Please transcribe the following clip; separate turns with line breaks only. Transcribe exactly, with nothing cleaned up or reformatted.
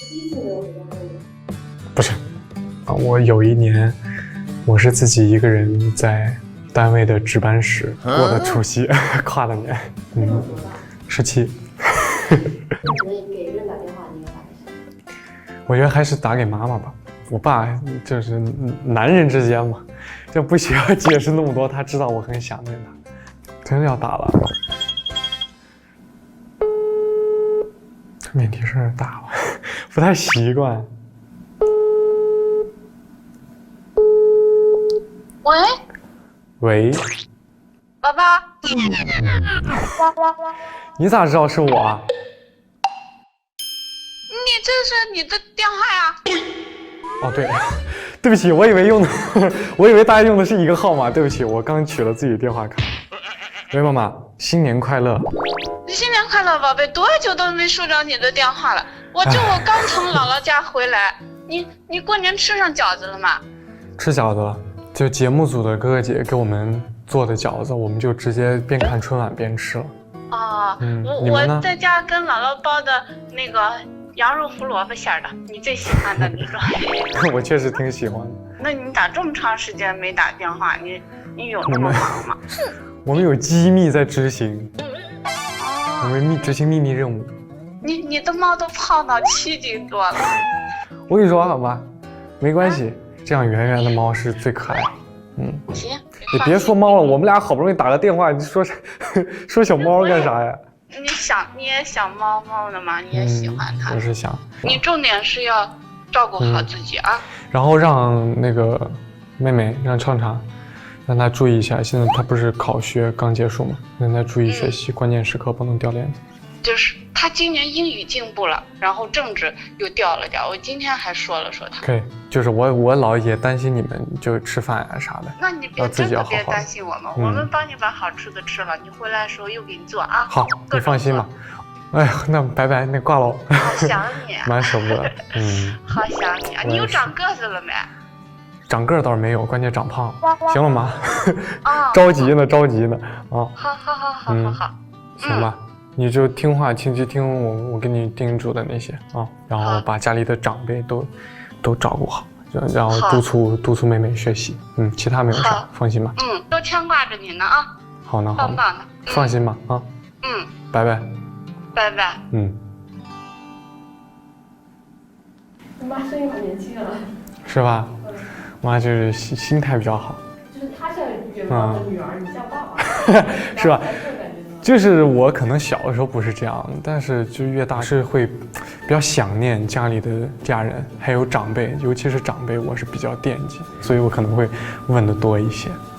第一次没有回家过年。
不是，啊，我有一年，我是自己一个人在单位的值班室过的除夕，跨的年。
那时候多大？
十七。
那你给人打电话，你要打给谁？
我觉得还是打给妈妈吧。我爸就是男人之间嘛，就不需要解释那么多，他知道我很想念他。真的要打了，这免提声大了，不太习惯。
喂，
喂，
爸爸，
你咋知道是我啊？
你这是你的电话呀？
哦，对，对不起，我以为用的，我以为大家用的是一个号码，对不起，我刚取了自己的电话卡。喂，妈妈，新年快乐！
新年快乐，宝贝！多久都没收着你的电话了。我这我刚从姥姥家回来，你你过年吃上饺子了吗？
吃饺子了，就节目组的哥哥姐给我们做的饺子，我们就直接边看春晚边吃了。
哦，
嗯
我
你们呢
我在家跟姥姥包的那个羊肉胡萝卜馅儿的，你最喜欢的那个。
我确实挺喜欢的。
那你咋这么长时间没打电话？你你有那么忙吗？
我们有机密在执行，我
哦，
们秘执行秘密任务。
你你的猫都胖到七斤多了。
我跟你说好吧，没关系，这样圆圆的猫是最可爱的。嗯，
行，
你别说猫了，我们俩好不容易打个电话，你说说小猫干啥呀？
你想你也想猫猫的吗？你也喜欢它。
嗯，我是想，
你重点是要照顾好自己啊。
然后让那个妹妹让畅畅，让她注意一下，现在她不是考学刚结束嘛，让她注意学习，关键时刻不能掉链子。
就是他今年英语进步了，然后政治又掉了掉。我今天还说了说他。
可以，就是我我老也担心你们就吃饭呀、啥的。
那你别
要自己
真的别
要好好
担心我们，
嗯
我们帮你把好吃的吃了，你回来的时候又给你做啊。
好，
各种
你放心吧
做。。
哎呀，那拜拜，那挂喽。
好想你啊，
蛮舍不得，嗯，
好想你啊！
我也是
你有长个子了没？
长个儿倒是没有，关键长胖了。行了吗？
啊，
着急呢，着急呢，啊，
好好好好好
嗯
好，
行吧，你就听话，听去听我我给你叮嘱的那些啊，然后
好
把家里的长辈都都照顾好，然然后
好
督促督促妹妹学习，嗯，其他没有啥
好，
放心吧。
嗯，都牵挂着你呢啊，
好呢，好呢，
棒棒的。嗯
放心吧，啊，
嗯，
拜拜，
拜拜。
嗯，
你妈声音好年轻啊。
是吧？
嗯，
妈就是心心态比较好，
就是她像元芳的女儿，你像爸爸，
是吧？
这种感觉呢？
就是我可能小的时候不是这样，但是就越大是会比较想念家里的家人，还有长辈，尤其是长辈，我是比较惦记，所以我可能会问的多一些。